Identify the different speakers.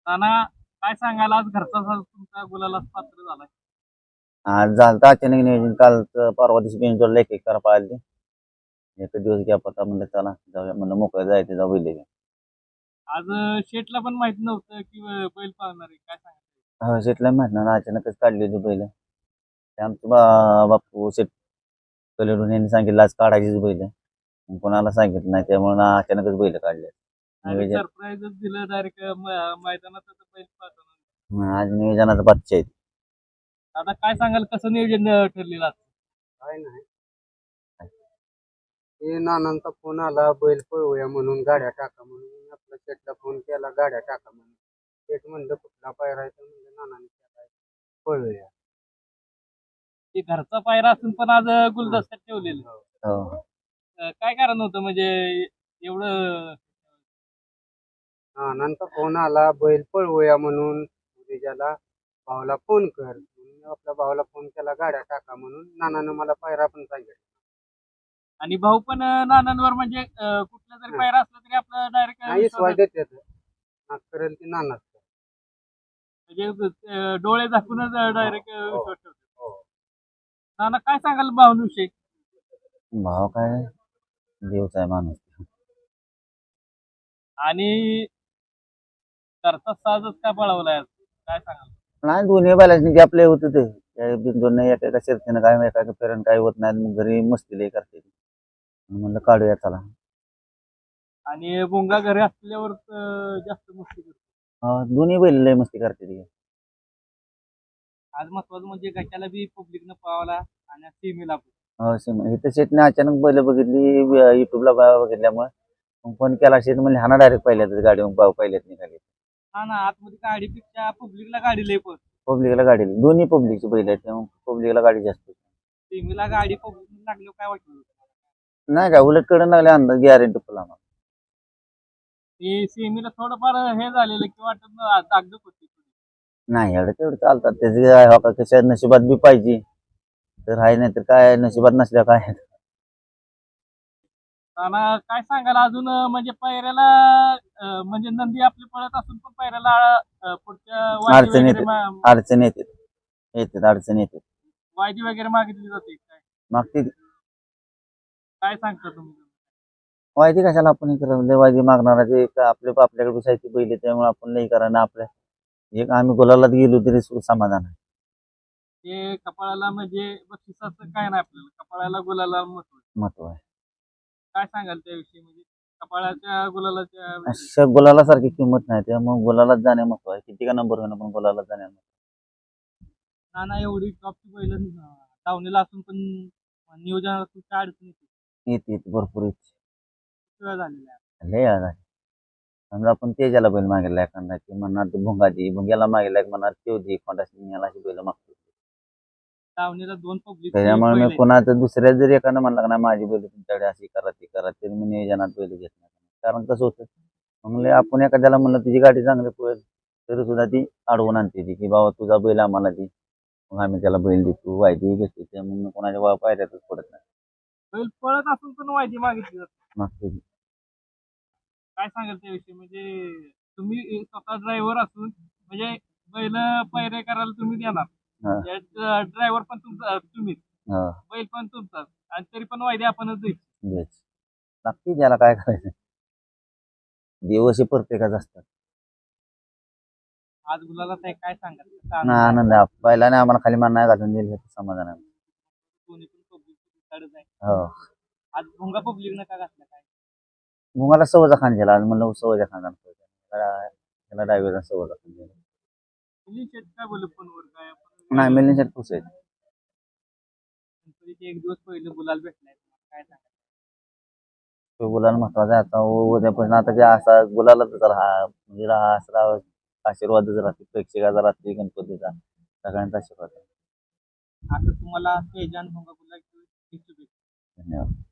Speaker 1: नाना, काय सांगाल आज घरचा साज तुमचा गुलालाच पात्र झालाय.
Speaker 2: आज झालं अचानक नियोजन. काल परवा दिवशी बिनजोडला एक करा पाळली. एक दिवस गॅप होता, म्हणलं चला जाऊया, म्हणलं मोकळं जायचं जाऊ बैल घेऊन.
Speaker 1: आज शेठला पण माहित नव्हतं की बैल पाळणार आहे, काय सांगाल?
Speaker 2: हो शेटला माहित ना, अचानकच काढली होती बैल. ते आमचे बापू शेट कलेडून यांनी सांगितलं आज काढायचीच बैल. मग कोणाला सांगितलं नाही, त्यामुळे अचानकच बैल काढले.
Speaker 1: आणि
Speaker 2: नियोजन
Speaker 1: सरप्राईजच दिलं डायरेक्ट मैदानात बैल पाळताना.
Speaker 2: आज नियोजनाचा बादशाह आहे.
Speaker 1: आता काय सांगाल, कसं नियोजन ठरलेलं आज?
Speaker 3: काय नाही ते नानांचा फोन आला बैल पळवूया म्हणून, गाड्या टाका म्हणून. आपल्या शेटला फोन केला, गाड्या टाका म्हणून. शेट म्हणलं कुठला पायरा आहे, तर म्हणलं नानांनी केलाय, पळवूया.
Speaker 1: की घरचा पायरा असून पण आज गुलदस्त्यात ठेवलेलं.
Speaker 2: हो
Speaker 1: काय कारण होतं म्हणजे एवढं?
Speaker 3: नानांचा फोन आला बैल पळवूया म्हणून, उद्याला भावाला फोन कर म्हणून. आपल्या भावाला फोन केला, गाड्या टाका म्हणून. नानानं मला पायरा पण सांगितलं.
Speaker 1: आणि भाऊ पण नानांवर म्हणजे कुठला जरी पायरा असला तरी आपलं
Speaker 3: नाही स्वाय
Speaker 1: डायरेक्ट
Speaker 3: देतात, करेल ते नानाच.
Speaker 1: म्हणजे डोळे झाकूनच डायरेक्ट विश्वास ठेवतो.
Speaker 3: हो.
Speaker 1: नाना, काय सांगाल भावनुषयी?
Speaker 2: भाव काय देवचा आहे माणूस.
Speaker 1: आणि घरचा साजच का पळवलाय आज? काय सांगाल?
Speaker 2: नाही दोन्ही बैलांनी गॅपले होते ते बिनजोड नाही, एका शर्तीनं काय एका फेरण काय होत नाही, मग घरी मस्ती लई करते. म्हणलं काढूया चला.
Speaker 1: आणि भोंगा घरी असल्यावर जास्त मस्ती करतो.
Speaker 2: दोन्ही बैल लई मस्ती करते ती.
Speaker 1: आज महत्वाचं म्हणजे गटाला बी पब्लिकनं पळवला आणि सीमेला पण.
Speaker 2: इथं शेटने अचानक बैल बघितली युट्यूबला बघितल्यामुळे मग फोन केला. शेट म्हणले हा ना डायरेक्ट पहिल्याच गाडी पहिल्याच निघाली.
Speaker 1: हा ना, आतमध्ये गाडीपेक्षा पब्लिकला गाडी लय पण.
Speaker 2: पब्लिकला गाडी दोन्ही पब्लिकची बैल आहेत, त्यामुळे पब्लिकला गाडी जास्त.
Speaker 1: सीमेला गाडी पब्लिक लागल्यावर काय वाटलं?
Speaker 2: नाही काय उलट कडून लागले अंदाज गॅरंटी फुल आम्हाला.
Speaker 1: ते सीमेला थोडंफार हे झालेलं की वाटत दागदुख होती.
Speaker 2: नाही एवढं तेवढं चालतात त्याचे कशा नशिबात बी पाहिजे तर आहे, नाही तर काय नशिबात नसल्या काय.
Speaker 1: नाना, काय सांगाल अजून म्हणजे पायऱ्याला म्हणजे नंदी आपली पळत असून पण पायऱ्याला पुढच्या वायदी
Speaker 2: अडचण
Speaker 1: वगैरे
Speaker 2: येते, अडचण येते, अडचण येते.
Speaker 1: वायदी वगैरे मागितली जाते काय?
Speaker 2: मागते
Speaker 1: काय सांगता तुम्ही?
Speaker 2: वायदी कशाला आपण हे करावं, वायदी मागणारा ते आपल्याकडे बसायची बैल, त्यामुळे आपण नाही करा ना. आपल्या एक आम्ही गुलालात गेलो तरी समाधान आहे.
Speaker 1: ते कपाळाला म्हणजे बक्षिसाचं काय नाही, आपल्याला कपाळाला गुलाला
Speaker 2: महत्व आहे.
Speaker 1: काय सांगाल त्याविषयी, म्हणजे कपाळाच्या गुलालाच्या विषयी?
Speaker 2: अशा गुलाला सारखी किंमत नाही, त्यामुळे गुलालात जाणे महत्व आहे. किती का नंबर होणं पण गुलालात जाणे.
Speaker 1: नाना, एवढी टॉपची बैल धावणीला असून पण नियोजनात काय अडचण येते?
Speaker 2: येते भरपूर येते.
Speaker 1: किती वेळा झालेला आहे?
Speaker 2: लय आज आहे. समजा आपण तेजाला बैल मागितला एखादा की म्हणणार ते भुंग्याला मागितला एक म्हणणार ते होती खोंडा सिंहाला अशी बैल मागतो.
Speaker 1: धावणीला दोन पब्लिक
Speaker 2: त्याच्यामुळे मी कोणाचं दुसऱ्या जरी एखादं म्हणलं ना माझी बैल तुमच्याकडे अशी करा ती करा, तरी मी नियोजनात बैल घेत नाही. कारण कसं होतं, म्हणले आपण एखाद्याला म्हणलं तुझी गाडी चांगली पळेल तरी सुद्धा ती अडवून आणते ती की बाबा तुझा बैल आम्हाला ती, मग आम्ही त्याला बैल देतो वायदी घेतो. त्यामुळे कोणाच्या पायऱ्यातच पडत नाही.
Speaker 1: बैल पळत असून पण वायदी मागितली जाते.
Speaker 2: मागते
Speaker 1: काय सांगाल त्याविषयी, म्हणजे तुम्ही स्वतः ड्रायव्हर असून म्हणजे बैल पैरे करायला तुम्ही देणार, ड्रायव्हर पण तुमचा तुम्हीच, बैल पण तुमचाच, आणि तरी पण वायदे आपणच द्यायची.
Speaker 2: नक्की त्याला काय करायचं, दिवस प्रत्येकाच असतात.
Speaker 1: आज गुलाला काय सांगाल?
Speaker 2: ना आनंद आहे पहिल्याने आम्हाला खाली मान नाही घालून दिलं समाधान आहे.
Speaker 1: कोणी पण पब्लिक आहे.
Speaker 2: हो
Speaker 1: आज भोंगा पब्लिक न का घातला काय?
Speaker 2: मला सवयचा खान दिला आज, म्हणलं सवयचा खान त्याला डायव्हर सवयचा खान दिला.
Speaker 1: काय बोलू फोनवर काय?
Speaker 2: नाही मिलिंद शेट खुश आहे.
Speaker 1: एक दिवस पहिले गुलाल भेटलाय, काय सांगा?
Speaker 2: तो गुलाल महत्वाचा आहे. आता उद्यापासून आता जे असा गुलालाच राहा म्हणजे राहा आशीर्वादच राहते प्रेक्षकाचा, रात्री गणपतीचा सगळ्यांचा आशीर्वाद.
Speaker 1: आता तुम्हाला तेजान भोंगा गुलाल
Speaker 2: धन्यवाद.